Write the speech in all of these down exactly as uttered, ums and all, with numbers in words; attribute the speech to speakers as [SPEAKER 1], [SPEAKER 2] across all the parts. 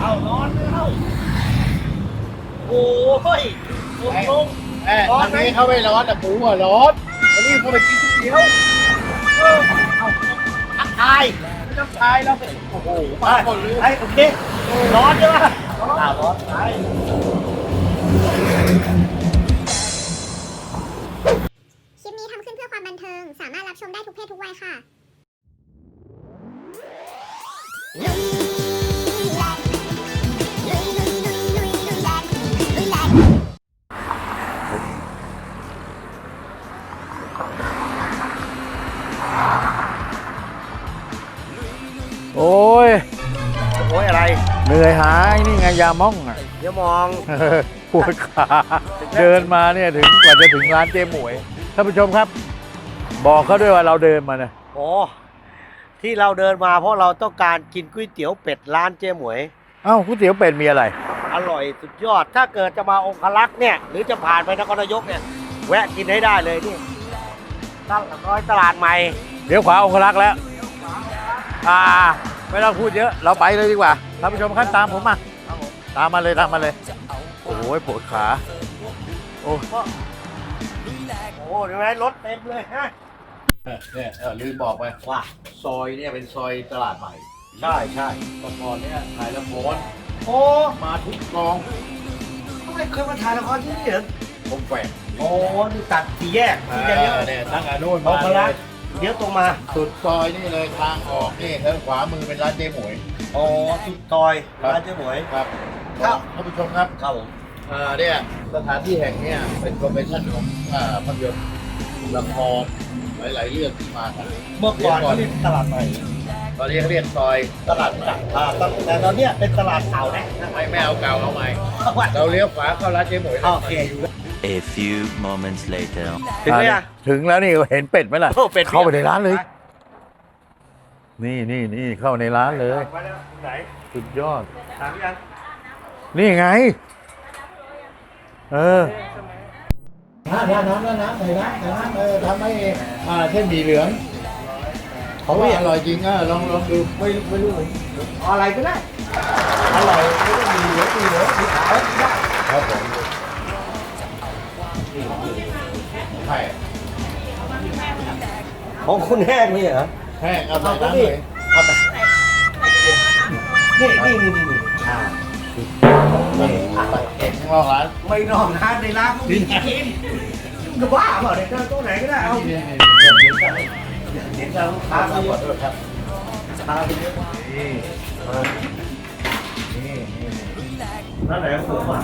[SPEAKER 1] เอาร้อนเข้าโอ้ยลงลง
[SPEAKER 2] แอบอันนี้เขาไม่ร้อนแต่ปูอ่ะร้อนอันนี้เขาไปกินก๋วยเตี๋ยวเอาทักทายไม่ต้องทายแล้วโอ้โหมาหมดเลย
[SPEAKER 1] ไอ้โอเคร้อนใช่ไหมร้อนร้อนไป
[SPEAKER 3] คลิปนี้ทำขึ้นเพื่อความบันเทิง สามารถรับชมได้ทุกเพศทุกวัยค่ะ
[SPEAKER 4] โอ้ย
[SPEAKER 1] โอ้ยอะไร
[SPEAKER 4] เหนื่อยหายนี่ไงยาม่องอ่ะ
[SPEAKER 1] เดี๋ยวมอง
[SPEAKER 4] ปวดขาเดินมาเนี่ยถึงกว่าจะถึงร้านเจ๊หมวยท่านผู้ชมครับ บอกเขาด้วยว่าเราเดินมาเนี่ย
[SPEAKER 1] โอ้ที่เราเดินมาเพราะเราต้องการกินก๋วยเตี๋ยวเป็ดร้านเจ๊หมวย
[SPEAKER 4] เอ้าก๋วยเตี๋ยวเป็ดมีอะไร
[SPEAKER 1] อร่อยสุดยอด ถ้าเกิดจะมาองคลักษ์เนี่ยหรือจะผ่านไปนครนายกเนี่ยแวะกินให้ได้เลยนี่ตลาดน้อยตลาดใหม่
[SPEAKER 4] เดี๋ยวขวาองครักษ์แล้วอ่าไม่ต้องพูดเยอะเราไปเลยดีกว่าท่านผู้ชมครับตามผมมาตามมาเลยตามมาเลยโอ้โหปวดขาโอ้
[SPEAKER 1] โอ้เดี๋ยวไหมรถเต็มเลยฮะ
[SPEAKER 4] เนี่ยลืมบอกไป
[SPEAKER 1] ว่า
[SPEAKER 4] ซอยเนี่ยเป็นซอยตลาดใหม่
[SPEAKER 1] ใช่ใช่
[SPEAKER 4] ก่อนเนี่ยถ่ายละคร
[SPEAKER 1] โอ้
[SPEAKER 4] มาทุกกอง
[SPEAKER 1] ทำไมเคยมาถ่ายละครที่นี่เหรอ
[SPEAKER 4] ผมแฝง
[SPEAKER 1] โอ้นี่ตัดสี่แยกที่จะเลี้ยว
[SPEAKER 4] เนี่ยตั้งอานุน
[SPEAKER 1] อง
[SPEAKER 4] มา
[SPEAKER 1] ค
[SPEAKER 4] เล
[SPEAKER 1] ลัก
[SPEAKER 4] ย
[SPEAKER 1] ษ์เลี้ยวตรงมา
[SPEAKER 4] สุดซอยนี่เลยทางออกนี่ทางขวามือเป็นร้านเจ๊หมวย
[SPEAKER 1] โอ้สุดซอยร้านเจ๊หมวย
[SPEAKER 4] ครับ
[SPEAKER 1] ครับ
[SPEAKER 4] ท่านผู้ชมครับ
[SPEAKER 1] ครับผม
[SPEAKER 4] อ่าเนี่ยสถานที่แห่งเนี้ยเป็นโปรโมชั่นของอ่าภาพยนตร์ละครหลายๆเรื่องที่มากัน
[SPEAKER 1] เมื่อก่อนเขาเรียกตลาดใหม่
[SPEAKER 4] ตอนนี้เขาเรียกซอยตลาดใหม่
[SPEAKER 1] อ่าแต่ตอนเนี้ยเป็นตลาดเก่านะ
[SPEAKER 4] ไม่ไม่เอาเก่าเอาใหม่เราเลี้ยวขวาเข้าร้านเจ๊หมวย
[SPEAKER 1] โอเค
[SPEAKER 5] A few moments later.
[SPEAKER 1] ถึงไหมอ่ะ
[SPEAKER 4] ถึงแล้วนี่เห็นเป็ดไหมล่ะ
[SPEAKER 1] โอ้เป็ด
[SPEAKER 4] เข้าไปในร้านเลย นี่นี่นี่เข้าในร้านเลย
[SPEAKER 1] มาแล้วไหน
[SPEAKER 4] สุดยอด
[SPEAKER 1] ถามยัง
[SPEAKER 4] นี่ไง เออ
[SPEAKER 2] น้ำน้ำน้ำน้ำใส่น้ำใส่น้ำเออทำให้อ่าเส้นหมี่เหลืองเขาว่าอร่อยจริงอ่ะลองลองดูไม่ไม่รู้
[SPEAKER 1] เอาอะไรก็ได้
[SPEAKER 2] อร่อยไม่ต้องมีเหลืองมีเหลืองมีขาวได้ครับผมใช่
[SPEAKER 1] ของคุณแห้งนี่เหรอ
[SPEAKER 2] แห้งเอาใส่น้ำเลย
[SPEAKER 1] เอาไปนี่นี่นี่นี่อ่า
[SPEAKER 2] นี่เอ็กซ์ข้างนอกร้าน
[SPEAKER 1] ไม่นอกร้านในร้านก็มีกินก็บ้าเปล่าเนี่ยโต๊ะไหนก็ได้เอา
[SPEAKER 2] นี่นี่นี่นี่นี่
[SPEAKER 1] เห็นแล้วลูกค้า
[SPEAKER 2] ข
[SPEAKER 1] เขา
[SPEAKER 2] อ
[SPEAKER 1] เยอะ
[SPEAKER 2] โทษครับ
[SPEAKER 1] ค้าไปเยอะ
[SPEAKER 2] นี่นี่นี่
[SPEAKER 1] ร้านไหนผมอ่ะ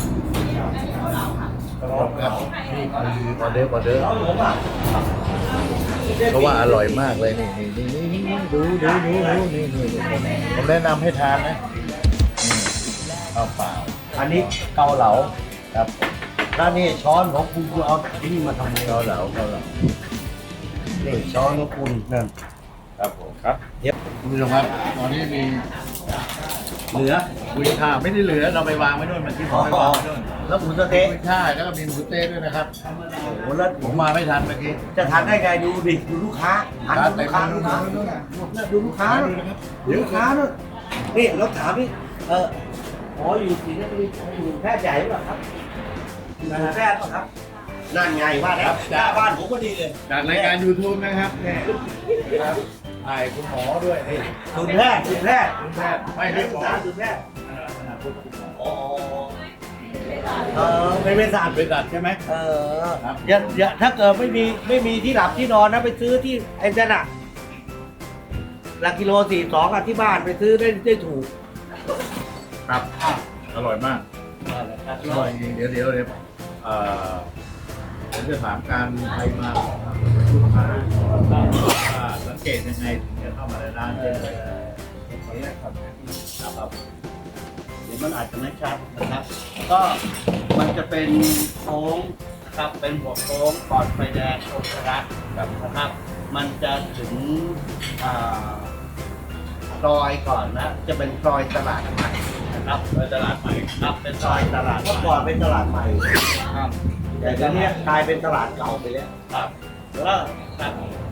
[SPEAKER 2] ครับนี่คือออเดอร์ออเดอร์
[SPEAKER 1] ร้านผมอ่ะ
[SPEAKER 4] เพราะว่าอร่อยมากเลยนี่นี่นี่นี่นี่ดูดูดูดูนี่นี่ผมแนะนำให้ทานนะนี่ข้าวเปล่า
[SPEAKER 1] อันนี้เกาเหลา
[SPEAKER 4] ครับ
[SPEAKER 1] แล้วนี่ช้อนของคุณคุณเอาที่นี่มาทำ
[SPEAKER 4] เกาเหลาเกาเหลา
[SPEAKER 1] นี่ช้อนของคุณนั่น
[SPEAKER 4] ครับผมครับ
[SPEAKER 1] เดี๋ยว
[SPEAKER 4] คุณผู้ชมครับตอนนี้มี
[SPEAKER 1] เหลือ
[SPEAKER 4] กุยช่ายไม่ได้เหลือเราไปวางไว้นู่นมันที่ผมไปวางไว้นู่น
[SPEAKER 1] แล้วหมูสะเต๊ะ
[SPEAKER 4] กุยช่ายแล้วก็มีหมูสะเต๊ะด้วยนะครับ
[SPEAKER 1] โอ้โหแล้ว
[SPEAKER 4] ผมมาไม่ทันเมื่อกี้
[SPEAKER 1] จะทานได้ไงดูดิดูลูกค้าหัน
[SPEAKER 4] ร้าน
[SPEAKER 1] ดู
[SPEAKER 4] เต็
[SPEAKER 1] ลู
[SPEAKER 4] ม
[SPEAKER 1] กค้า
[SPEAKER 4] เล
[SPEAKER 1] ลู
[SPEAKER 4] ย
[SPEAKER 1] กค้า
[SPEAKER 4] นู่นน่ะ
[SPEAKER 1] ดูลูกค้า
[SPEAKER 4] ดู
[SPEAKER 1] นู่น
[SPEAKER 4] นะครับ
[SPEAKER 1] ดูลูกค้านู่นนี่เราถามนี่เอออ๋ออยู่ศรีนครินทร์อยู่แพทย์ใหญ่หรือเปล่าครับอยู่แพทย์เปล่าครับนั่นไงว่าแล้วหน้าบ้านผมก็ดีเลย
[SPEAKER 4] จากรายการ YouTube นะครับเนี่ยครับถ่ายคุณหมอด้วยนี่
[SPEAKER 1] คุณแพทย์คุณแพทย์
[SPEAKER 4] คุณแพทย์ไม่
[SPEAKER 1] ไม่
[SPEAKER 4] ได้
[SPEAKER 1] ได้
[SPEAKER 4] หมอ
[SPEAKER 1] สารคุณแพทย์
[SPEAKER 4] ขนาดพวกคุณหมอ
[SPEAKER 1] อ๋อเออเป็นเป็นศาสตร์
[SPEAKER 4] เป็นสัตว์ใช่ไหม
[SPEAKER 1] เออ
[SPEAKER 4] ครับ
[SPEAKER 1] อย่าอย่าถ้าเกิดไม่มีไม่มีที่หลับที่นอนนะไปซื้อที่ไอ้นั่นอะหลักกิโลสี่สองอะที่บ้านไปซื้อได้ได้ถูก
[SPEAKER 4] ครับอร่อยมากอร่อยจริงเดี๋ยวเดี๋ยวเดี๋ยวเอ่อผมจะถามการใครมาลูกค้าว่าสังเกตยังไงถึงจะเข้ามาในร้านได้เลยขออนุญาตครับครับ
[SPEAKER 1] เดี๋ยวมันอาจจะไม่ชัดนะครับ ก็มันจะเป็นโค้งนะครับ เป็นหัวโค้งก่อนไฟแดงโอชรัตแบบนะครับ มันจะถึงอ่าซอยก่อนนะ จะเป็นซอยตลาดใหม่นะครับซอยตลาดใหม่ครับ เป็นซอยตลาดเมื่อก่อนเป็นตลาดใหม่ครับแต่ตอนนี้กลายเป็นตลาดเก่าไปแล้วครับแล้วครับโอ้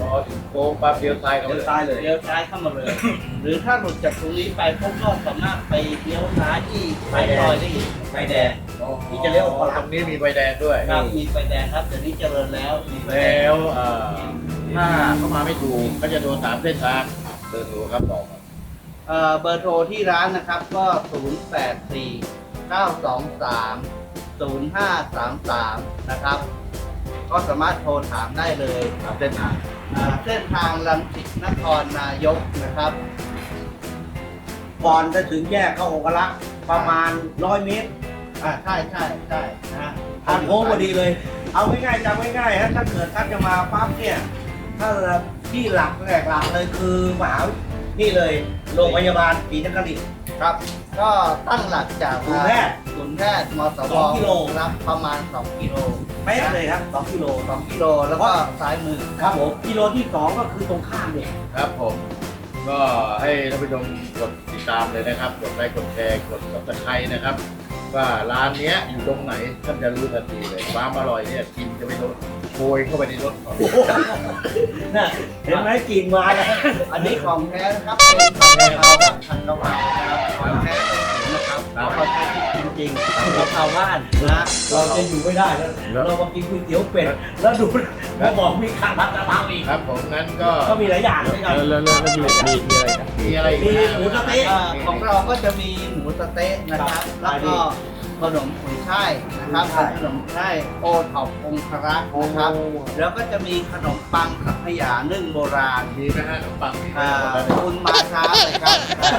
[SPEAKER 4] พอถึงโค้งปั๊บเลี้ยวซ้ายเข้า
[SPEAKER 1] เลี้
[SPEAKER 4] ไป
[SPEAKER 1] ยวซ้ายเลยเลี้ยวซ้ายเข้ามาเลย หรือถ้าหลุดจากตรงนี้ไปพวกก็สามารถไปเลี้ยวซ้ายที่ไฟซอยได้อีกไฟแดง
[SPEAKER 4] ที่จะเลี้ยวออกตรงนี้มีไฟแดงด้วย
[SPEAKER 1] ครับมีไฟแดงครับเดี๋ยวนี้เจริญแล้วมีไฟแด
[SPEAKER 4] แล้
[SPEAKER 1] ง
[SPEAKER 4] วเอ่อถ้าเข้ามาไม่ถูกก็จะโดนสามเส้นทางเบอร์โทรครับบอกมา
[SPEAKER 1] เอ่อเบอร์โทรที่ร้านนะครับก็ ศูนย์ แปด สี่ เก้า สอง สาม ศูนย์ ห้า สาม สาม นะครับ ก็สามารถโทรถามได้เลย
[SPEAKER 4] สามเส้นทาง
[SPEAKER 1] อ่าเส้นทางรังสิตนครนายกนะครับ
[SPEAKER 2] ก่อนจะถึงแยกเข้าองคลักษ์ประมาณร้อยเมตร
[SPEAKER 1] อ่าใช่ใช่ใช่นะฮะ
[SPEAKER 2] ทางโค้งพอดีเลย เอาง่ายๆจำง่ายๆฮะถ้าเกิดท่านจะมาปั๊บเนี่ยถ้าที่หลักแหลกหลักเลยคือมหานี่เลยโรงพยาบาลศรีนครินทร์
[SPEAKER 1] ครับ ก็ตั้งหลักจาก
[SPEAKER 2] ศูนย์แพทย์
[SPEAKER 1] ศูนย์แพทย์มส
[SPEAKER 2] ส
[SPEAKER 1] ว
[SPEAKER 2] องกิโล
[SPEAKER 1] ครับประมาณ สอง กิโล
[SPEAKER 2] เป๊ะเลยครับสองกิโล
[SPEAKER 1] สองกิโลแล้วก็ซ้ายมือ
[SPEAKER 2] ครับผมกิโลที่สองก็คือตรงข้ามเนี่ย
[SPEAKER 4] ครับผม ก็ให้ท่านผู้ชมกดติดตามเลยนะครับ กดไลค์กดแชร์กดซับสไครต์นะครับ ว่าร้านเนี้ยอยู่ตรงไหนท่านจะรู้ทันทีเลยความอร่อยเนี่ยกินจะไม่ลดโกยเข้าไปในรถก่อน
[SPEAKER 2] น่ะเห็นไหมกลินมาแล้ว
[SPEAKER 1] อันนี้ของแท้นะครับเป็นผัดกะเพราครับผัดกะเพรานะครับของแท้นะครับแล้วเขาใช้พริกจริงๆ
[SPEAKER 2] กะเพราบ้าน
[SPEAKER 1] นะ
[SPEAKER 2] เราจะอยู่ไม่ได้แล้วเรามากินก๋วยเตี๋ยวเป็ดแล้วดูมาบอกมีข้าวผัดกะเพราอีก
[SPEAKER 4] ครับผมงั้นก็
[SPEAKER 2] ก็มีหลายอย่างด้วยกัน
[SPEAKER 6] แล้วแล้วแล้วมีมีมีอะไรครับ
[SPEAKER 4] มีอะไรอีก
[SPEAKER 2] มีหมูสะเต๊ะ
[SPEAKER 1] อ่าของเราก็จะมีหมูสะเต๊ะนะครับ แล้วก็ขนมขุนช่ายนะครับขนมช่ายโอท็อปองครักษ์นะครับ แล้วก็จะมีขนมปังสังขยานึ่งโบราณ
[SPEAKER 4] มีนะฮะขนมปังมี
[SPEAKER 1] อ่า
[SPEAKER 4] หมดแล้วเนี่ย
[SPEAKER 1] คุณมาช้าเลยครับ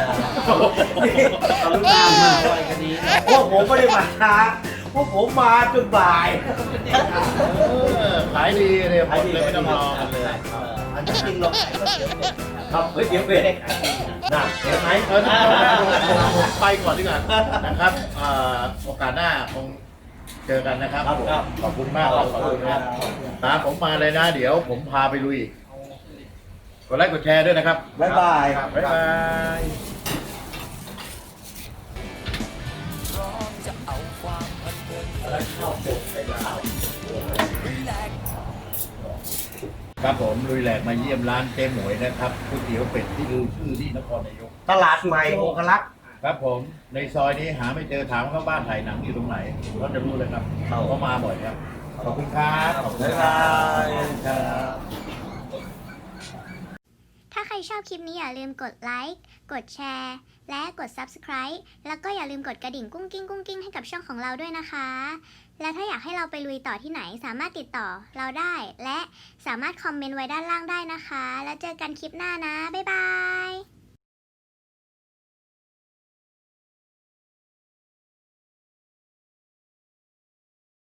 [SPEAKER 1] กรุณามาด้วยกันนี้นะ
[SPEAKER 2] พวกผมไม่ได้มาช้าพวกผมมาจนบ่าย
[SPEAKER 4] เออขายดีเลยหมดเลยไม่ต้องรอกันเลย
[SPEAKER 1] เอออันที่จริงเราขายก็เดี๋ยวเป็ดนะครับ
[SPEAKER 2] เฮ้ยเดี๋ยวเป็ด
[SPEAKER 1] ไม่ได้ขายดีนะ
[SPEAKER 2] น่ะเห็นไหม
[SPEAKER 4] เออผมไปก่อนดีกว่านะครับเอ่อโอกาสหน้าคงเจอกันนะครับ
[SPEAKER 2] ครับผม
[SPEAKER 4] ขอบคุณมากครับขอบคุณครับตามผมมาเลยนะ เดี๋ยวผมพาไปลุยอีกกดไลค์กดแชร์ด้วยนะครับ
[SPEAKER 2] บ๊ายบาย
[SPEAKER 4] ครับบ๊ายบายครับผมลุยแหลกมาเยี่ยมร้านเจ๊หมวยนะครับก๋วยเตี๋ยวเป็ดที่ลือชื่อที่นครนายก
[SPEAKER 2] ตลาดใหม่องคลักษ์
[SPEAKER 4] ครับผมในซอยนี้หาไม่เจอถามเขาบ้านถ่ายหนังอยู่ตรงไหนเขาจะรู้เลยครับเขามาบ่อยครับ ขอบคุณครับขอบคุณครับ
[SPEAKER 3] ถ้าใครชอบคลิปนี้อย่าลืมกดไลค์ กดแชร์ และกด ซับสไครบ์ แล้วก็อย่าลืมกดกระดิ่งกุ้งกิ้งกุ้งกิ้งให้กับช่องของเราด้วยนะคะ และถ้าอยากให้เราไปลุยต่อที่ไหนสามารถติดต่อเราได้ และสามารถคอมเมนต์ไว้ด้านล่างได้นะคะ แล้วเจอกันคลิปหน้านะ บ๊ายบาย